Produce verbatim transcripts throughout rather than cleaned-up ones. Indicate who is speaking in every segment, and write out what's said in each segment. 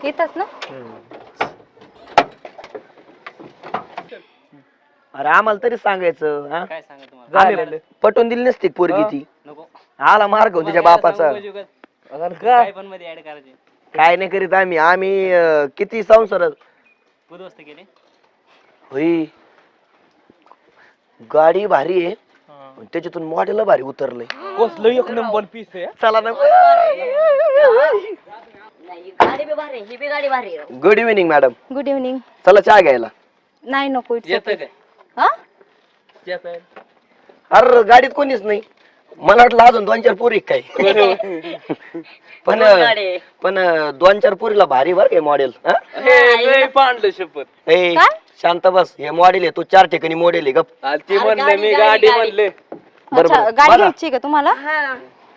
Speaker 1: येतच ना.
Speaker 2: अरे आम्हाला तरी सांगायचं हा?
Speaker 3: काय सांगा तुम्हाला
Speaker 2: आम्ही पटवून दिली नसती पोरगी ती.
Speaker 3: नको
Speaker 2: आला मार्ग तिच्या बापाचा.
Speaker 3: काय पण मध्ये ऍड करायचे
Speaker 2: काय नाही करीत आम्ही आम्ही अं, किती संसार
Speaker 3: उद्ध्वस्त केले.
Speaker 2: होई. गाडी भारी आहे पण त्याच्यातून मॉडेल भारी उतरलंय.
Speaker 4: कसलं एक नंबर पीस आहे.
Speaker 2: चला ना.
Speaker 5: गाडी बी भारी ही बी गाडी भारी आहे.
Speaker 2: Good evening madam.
Speaker 1: Good evening.
Speaker 2: चला चहा घ्यायला.
Speaker 1: नाही नको.
Speaker 3: येतं काय
Speaker 1: हा
Speaker 3: येतं
Speaker 2: अरे गाडीत कोणीच नाही. मला वाटलं अजून दोन चार पोरी काय. पण पण दोन चार पोरीला भारी बर काय मॉडेल.
Speaker 4: पांडलं शपथ.
Speaker 2: ए शांत बस. हे मॉडेल आहे तू चार ठिकाणी मॉडेल आहे गप.
Speaker 4: ते म्हणले मी गाडी म्हणले.
Speaker 1: अच्छा गाडी घ्यायची का तुम्हाला.
Speaker 5: हा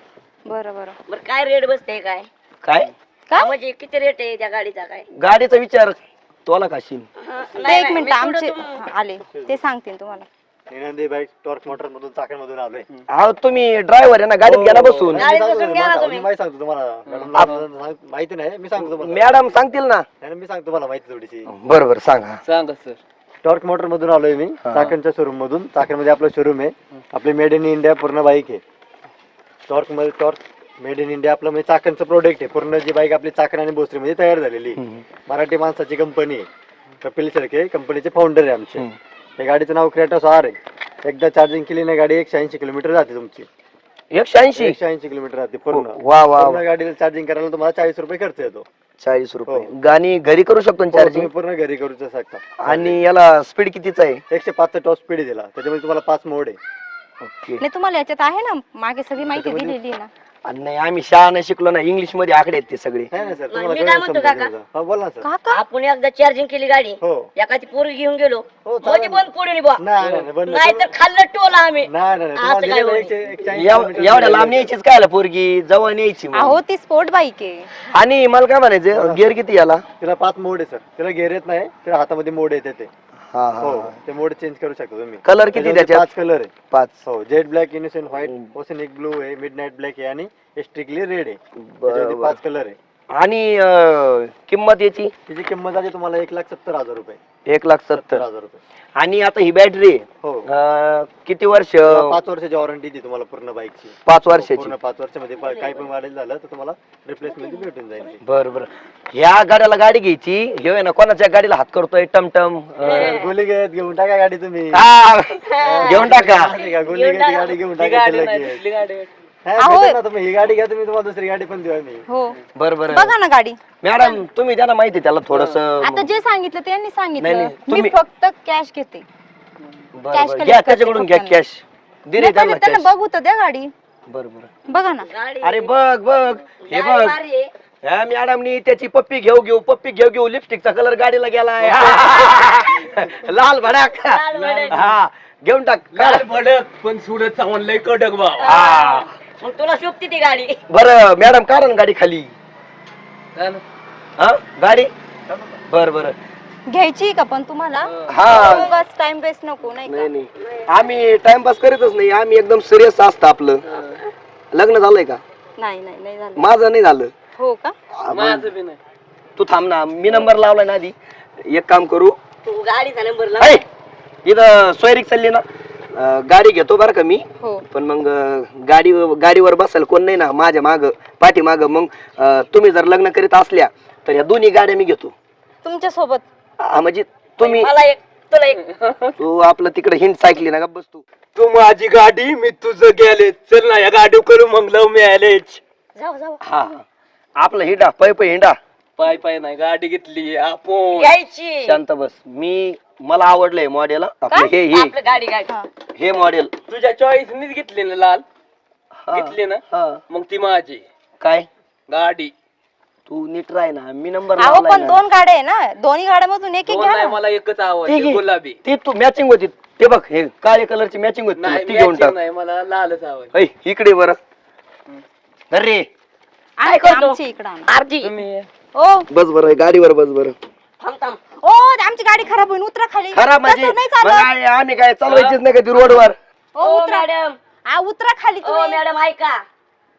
Speaker 1: बरं बरं.
Speaker 5: बरं काय रेट बसते काय
Speaker 2: काय
Speaker 1: काय
Speaker 5: म्हणजे किती रेट आहे त्या गाडीचा काय.
Speaker 2: गाडीचा विचार तोला काशील.
Speaker 1: ते एक मिनिट आमचे आले ते सांगतील तुम्हाला.
Speaker 6: नंदी बाईक टॉर्क मोटर मधून चाकणमधून आलोय.
Speaker 2: अहो तुम्ही ड्रायव्हर आहे ना गाडीत घ्या ना बसून.
Speaker 5: गाडीत बसून घ्या ना तुम्ही.
Speaker 6: मी माहिती सांगतो तुम्हाला मॅडम माहिती नाही मी सांगतो तुम्हाला.
Speaker 2: मॅडम सांगतील ना.
Speaker 6: नाही मी सांगतो तुम्हाला माहिती थोडीशी.
Speaker 2: बरोबर सांगा.
Speaker 4: सांगा सर.
Speaker 6: टॉर्क मोटर मधून आलोय मी चाकणच्या शोरूम मधून. चाकणमध्ये आपलं शोरूम आहे. आपले मेड इन इंडिया पूर्ण बाईक आहे. टॉर्क मध्ये टॉर्क मेड इन इंडिया आपलं म्हणजे चाकणचं प्रोडक्ट आहे. पूर्ण जी बाईक आपली चाकण आणि भोसरी मध्ये तयार झालेली. मराठी माणसाची कंपनी आहे. कपिल शेळके कंपनीचे फाउंडर आहे आमचे. या गाडीचं नाव क्रेटॉस आर आहे. एकदा चार्जिंग केली ना गाडी एकशे ऐंशी किलोमीटर जाते तुमची.
Speaker 2: एकशे ऐंशी
Speaker 6: एकशे ऐंशी किलोमीटर जाते पूर्ण.
Speaker 2: वा वा
Speaker 6: पूर्ण गाडीला चार्जिंग करायला तुम्हाला चाळीस रुपये खर्च येतो.
Speaker 2: चाळीस रुपये. गाणी घरी करू शकतो चार्जिंग.
Speaker 6: तुम्ही पूर्ण घरी करू शकता.
Speaker 2: आणि याला स्पीड कितीच आहे.
Speaker 6: एकशे पाच टॉप स्पीड दिला. त्याच्यामध्ये तुम्हाला पाच मोड आहे.
Speaker 2: ओके.
Speaker 1: नाही तुम्हाला याच्यात आहे ना मागे सगळी माहिती दिलेली आहे ना.
Speaker 2: आणि नाही आम्ही शाळा नाही शिकलो ना इंग्लिश मध्ये आकडे आहेत ते सगळे.
Speaker 6: नाही ना सर
Speaker 5: मी
Speaker 6: तुम्हाला
Speaker 5: काय
Speaker 6: कळलं
Speaker 5: म्हणतो
Speaker 6: समजून
Speaker 5: काका?
Speaker 6: घ्यायचं. हा बोला ना सर.
Speaker 1: काका
Speaker 5: आपण एकदा चार्जिंग केली गाडी
Speaker 6: हो
Speaker 5: एखादी पोरगी घेऊन गेलो
Speaker 6: हो, चालेल.
Speaker 5: म्हणजे बंद पडून बुवा.
Speaker 6: नाही नाही, नाही बंद
Speaker 5: नाही तर खाल्लं टोला आम्ही.
Speaker 6: नाही नाही, नाही
Speaker 5: असं
Speaker 6: तुम्हाला
Speaker 5: काय
Speaker 6: दिलेलं
Speaker 5: होईल?
Speaker 6: एकशे- एकशे ऐंशी
Speaker 2: एव-
Speaker 6: किलोमीटर
Speaker 2: एवढ्या
Speaker 6: दिलेलं
Speaker 2: लांब
Speaker 6: आहे.
Speaker 2: न्यायचीच काय पोरगी जवळ न्यायची मग.
Speaker 1: अहो ती स्पोर्ट बाईक आहे.
Speaker 2: आणि मला काय म्हणायचं गिअर किती याला.
Speaker 6: तिला पाच मोड आहे सर. तिला गेअर येत नाही. तिला हातामध्ये मोड येते ते.
Speaker 2: हा
Speaker 6: हो
Speaker 2: हा.
Speaker 6: ते मोड चेंज करू शकता तुम्ही.
Speaker 2: कलर किती
Speaker 6: त्याच्यामध्ये
Speaker 2: त्याच्यात.
Speaker 6: पाच कलर आहे.
Speaker 2: पाच.
Speaker 6: हो jet black innocent white oceanic blue आहे मिडनाईट ब्लॅक आहे आणि स्ट्रिकली रेड आहे. त्याच्यामध्ये
Speaker 2: बरोबर.
Speaker 6: पाच कलर आहे.
Speaker 2: आणि अं, किंमत याची
Speaker 6: तिची किंमत जाते तुम्हाला एक लाख सत्तर हजार रुपये.
Speaker 2: एक लाख
Speaker 6: सत्तर
Speaker 2: सत्तर.
Speaker 6: हजार रुपये.
Speaker 2: आणि आता ही बॅटरी
Speaker 6: हो
Speaker 2: किती वर्ष.
Speaker 6: पाच वर्षाची वॉरंटी दी तुम्हाला पूर्ण बाईकची.
Speaker 2: पाच वर्षाची.
Speaker 6: पूर्ण पाच वर्षामध्ये पा- काही पण मॉडेल झालं तर तुम्हाला रिप्लेसमेंट भेटून जाईल ती.
Speaker 2: बर बर. ह्या गाड्याला गाडी घ्यायची हे आहे ना कोणाच्या गाडीला हात करतोय टमटम. अं,
Speaker 6: गोली घेत घेऊन टाका गाडी तुम्ही.
Speaker 2: हा, घेऊन टाका.
Speaker 6: माहिती का? गोली घेत गाडी घेऊन टाका
Speaker 4: गाडी
Speaker 6: तिला
Speaker 4: नाही
Speaker 6: की.
Speaker 4: दिसली गाडी.
Speaker 6: हा,
Speaker 1: अहो.
Speaker 6: भेटेल ना तुम्ही ही गाडी घ्या तुम्ही तुम्हाला दुसरी गाडी पण देऊ आम्ही.
Speaker 1: हो
Speaker 2: बर बर.
Speaker 1: बघा ना गाडी.
Speaker 2: मॅडम तुम्ही त्यांना माहिती त्याला थोडस.
Speaker 1: आता जे सांगितलं त्यांनी
Speaker 2: नाही,
Speaker 1: सांगितलं
Speaker 2: नाही,
Speaker 1: मी
Speaker 2: तुम्ही-
Speaker 1: फक्त कॅश घेते. cash collect
Speaker 2: घ्या
Speaker 1: करते
Speaker 2: त्याच्याकडून घ्या
Speaker 1: फक्त
Speaker 2: कॅश. दिले
Speaker 1: नाही,
Speaker 2: त्यांना
Speaker 1: पहिले त्यांना
Speaker 2: cash.
Speaker 1: बघू तर द्या गाडी.
Speaker 2: बर बर.
Speaker 1: बघा ना.
Speaker 5: गाडी
Speaker 2: अरे बघ बघ हे
Speaker 5: गाडी
Speaker 2: बघ.
Speaker 5: भारी आहे.
Speaker 2: ह्या मॅडमनी त्याची पप्पी घेऊ घेऊ पप्पी घेऊ घेऊ लिपस्टिकचा कलर गाडीला गेलाय. लाल भडाक.
Speaker 5: लाल भडक.
Speaker 2: हा घेऊन टाक.
Speaker 4: लाल भडक पण सुडत चावून लय कडक बाबा.
Speaker 2: हा
Speaker 5: मग तुला शोभती ती गाडी.
Speaker 2: बर मॅडम कारण गाडी खाली.
Speaker 4: हा ना.
Speaker 2: हा गाडी. बर बर.
Speaker 1: घ्यायची का पण तुम्हाला.
Speaker 2: हा
Speaker 1: टाइम वेस्ट नको नाही
Speaker 2: नाही
Speaker 1: का.
Speaker 2: नाही आम्ही टाइमपास करीतच नाही आम्ही एकदम सिरियस असतं आपलं. लग्न झालंय का.
Speaker 1: नाही नाही नाही झालं.
Speaker 2: माझं नाही झालं.
Speaker 1: हो का.
Speaker 4: माझं बी नाही.
Speaker 2: तू थांब ना मी नंबर लावलाय ना आधी. एक काम करू.
Speaker 5: तू गाडीचा नंबर लाव.
Speaker 2: ऐ, इथं सोयरीक चालली ना अं, गाडी घेतो बरं का मी.
Speaker 1: हो
Speaker 2: पण मग अं, गाडी गाडीवर बसायला कोण नाही ना माझ्या माग पाठी माग. मग अं, तुम्ही जर लग्न करीत असल्या तर या दोन्ही गाड्या मी घेतो.
Speaker 1: तुमच्या सोबत.
Speaker 2: हा, म्हणजे तुम्ही
Speaker 5: मला एक तुला एक.
Speaker 2: तू आपलं तिकडे हिंट ऐकली ना का बस तू.
Speaker 4: तू माझी गाडी मी तुझं गेले. चल ना या गाडी करू मग लव मॅरेज.
Speaker 5: जाऊ जाऊ
Speaker 2: हा हा. आपलं हिंडा पै पै हिंडा.
Speaker 4: पाय पाय नाही गाडी घेतली आपण.
Speaker 5: घ्यायची.
Speaker 2: शांत बस. मी मला आवडलंय मॉडेल आपलं हे हे
Speaker 5: आपलं गाडी गाडी.
Speaker 1: हा.
Speaker 2: हे मॉडेल.
Speaker 4: तुझ्या चॉईसनीच घेतली ना लाल. घेतली ना मग ती माझी
Speaker 2: काय
Speaker 4: गाडी.
Speaker 2: तू नीट राह ना मी नंबर
Speaker 1: अहो पण दोन गाड्या आहे ना दोन्ही गाड्यामधून एक एक
Speaker 4: दोन
Speaker 1: घ्या
Speaker 4: नाही
Speaker 1: ना.
Speaker 4: मला एकच आवडते
Speaker 2: ठीक आहे.
Speaker 4: गुलाबी.
Speaker 2: ती तू मॅचिंग होती ते बघ हे काळ्या कलरची मॅचिंग होती
Speaker 4: नाही
Speaker 2: ती घेऊन
Speaker 4: matching
Speaker 2: टाक.
Speaker 4: नाही मला लालच आवडते.
Speaker 2: ऐ, इकडे बरं अरे
Speaker 1: आहे का आमची इकडं आणा.
Speaker 5: अर्धी.
Speaker 4: तुम्ही
Speaker 1: ओ
Speaker 2: बस बरं गाडीवर बस बरं.
Speaker 5: थांब थांब.
Speaker 1: ओ आमची गाडी खराब होईल उतरा खाली.
Speaker 2: खराब म्हणजे
Speaker 1: तसं नाही
Speaker 2: मग
Speaker 1: चालत.
Speaker 2: काय, आम्ही काय चालवायचीच नाही का ती रोडवर.
Speaker 1: ओ
Speaker 5: ओ
Speaker 1: उतरा
Speaker 5: मॅडम.
Speaker 1: आ, उतरा खाली
Speaker 5: ओ
Speaker 1: तुम्ही.
Speaker 5: मॅडम ऐका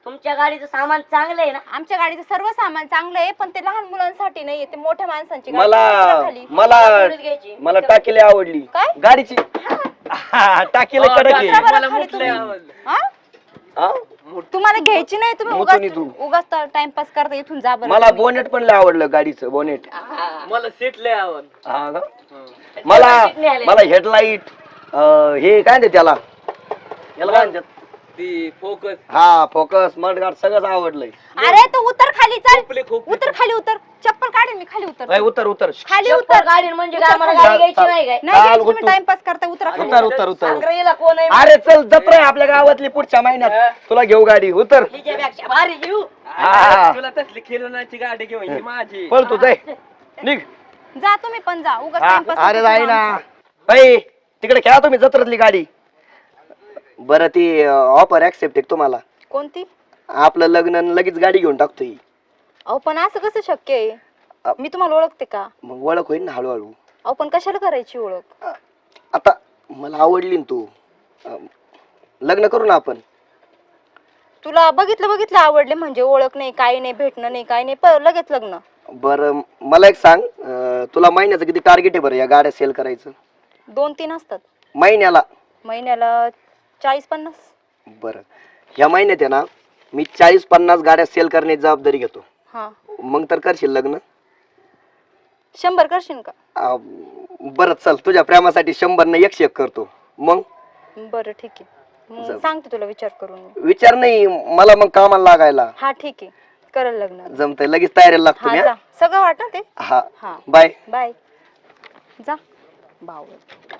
Speaker 5: तुमच्या गाडीचं सामान चांगलं आहे ना?
Speaker 1: आमच्या गाडीचं सर्व सामान चांगलं आहे, पण ते लहान मुलांसाठी नाहीये, ते मोठ्या माणसांची गाडी आहे.
Speaker 2: मला
Speaker 1: खाली.
Speaker 2: मला
Speaker 5: सोडून घ्यायची.
Speaker 2: मला टाकीला आवडली
Speaker 1: काय?
Speaker 2: गाडीची हा, टाकीला कडक आहे
Speaker 1: उतरा बरं
Speaker 3: मला
Speaker 1: खाली
Speaker 3: मुतलंय
Speaker 1: तुम्ही.
Speaker 3: आवडलं.
Speaker 1: हा?
Speaker 2: हा?
Speaker 1: तुम्हाला घ्यायची नाही, तुम्ही
Speaker 2: मोठून
Speaker 1: उगाच
Speaker 2: इथून.
Speaker 1: उगाच टाइमपास करता, इथून जा बरं
Speaker 2: मला
Speaker 1: तुम्ही.
Speaker 2: बोनेट पण लय आवडलं गाडीचं बोनेट
Speaker 3: मला सीट लय आवड
Speaker 2: हा का? मला मला हेडलाईट हे काय म्हणते त्याला याला काय म्हणतात?
Speaker 3: ती फोकस
Speaker 2: हा फोकस मडगार्ड सगळंच आवडलंय
Speaker 1: अरे तू उतर खाली, चल
Speaker 3: खोपले, खोपले.
Speaker 1: उतर खाली, उतर चप्पल काढेन मी, खाली उतर
Speaker 2: ए, उतर उतर
Speaker 1: खाली
Speaker 5: चप्पल
Speaker 1: उतर.
Speaker 5: गाडी म्हणजे काय आम्हाला गाडी घ्यायची नाही काय?
Speaker 1: नाही घ्यायची,
Speaker 2: चाल,
Speaker 1: तुम्ही
Speaker 2: उतर.
Speaker 1: टाइमपास करता, उतरा खाली.
Speaker 2: उतर उतर उतर
Speaker 5: सांगरेला कोण आहे?
Speaker 2: अरे चल जत्रा आहे आपल्या गावातली पुढच्या महिन्यात तुला घेऊ गाडी उतर
Speaker 5: हिच्यापेक्षा भारी घेऊ.
Speaker 2: हा.
Speaker 3: तुला तसली खेळण्याची गाडी घेऊन ही माझी
Speaker 2: पळ तू जाय निघ
Speaker 1: जा तुम्ही पण जा, उगाच
Speaker 2: हा,
Speaker 1: टाइमपास
Speaker 2: अरे जाई ना बाई तिकडे खेळा तुम्ही जत्रातली गाडी बरं ती ऑफर ऍक्सेप्ट आहे तुम्हाला
Speaker 1: कोणती?
Speaker 2: आपलं लग्न आणि लगेच गाडी घेऊन टाकतोय
Speaker 1: अहो पण असं कसं शक्य आहे? मी तुम्हाला ओळखते का?
Speaker 2: मग ओळख होईल ना हळूहळू
Speaker 1: अहो पण कशाला करायची ओळख?
Speaker 2: आता मला आवडली ना तू अं, लग्न करू ना आपण
Speaker 1: तुला बघितलं बघितलं आवडले म्हणजे ओळख नाही, काही नाही, भेटणं नाही, काही नाही, प- लगेच लग्न.
Speaker 2: बरं मला एक सांग अं, तुला महिन्याचं किती टार्गेट आहे बरं या गाड्या सेल करायचं
Speaker 1: दोन तीन असतात
Speaker 2: महिन्याला
Speaker 1: महिन्याला, चाळीस पन्नास.
Speaker 2: बरं ह्या महिन्यात आहे ना मी चाळीस पन्नास गाड्या सेल करण्याची जबाबदारी घेतो
Speaker 1: हा,
Speaker 2: मग तर करशील लग्न
Speaker 1: शंभर करशील का?
Speaker 2: अं, बरं चल तुझ्या प्रेमासाठी शंभर न एकशे एक करतो मग
Speaker 1: बरं ठीक आहे, मग
Speaker 2: जाऊ.
Speaker 1: सांगते तुला विचार करून मी.
Speaker 2: विचार नाही मला मग कामाला लागायला
Speaker 1: हा ठीक आहे, करेल लग्न.
Speaker 2: जमतंय लगेच तयारीला लागतो
Speaker 1: हा
Speaker 2: मी
Speaker 1: जा, सगळं वाटत ते.
Speaker 2: हा
Speaker 1: हा
Speaker 2: बाय
Speaker 1: बाय. जा भाऊ.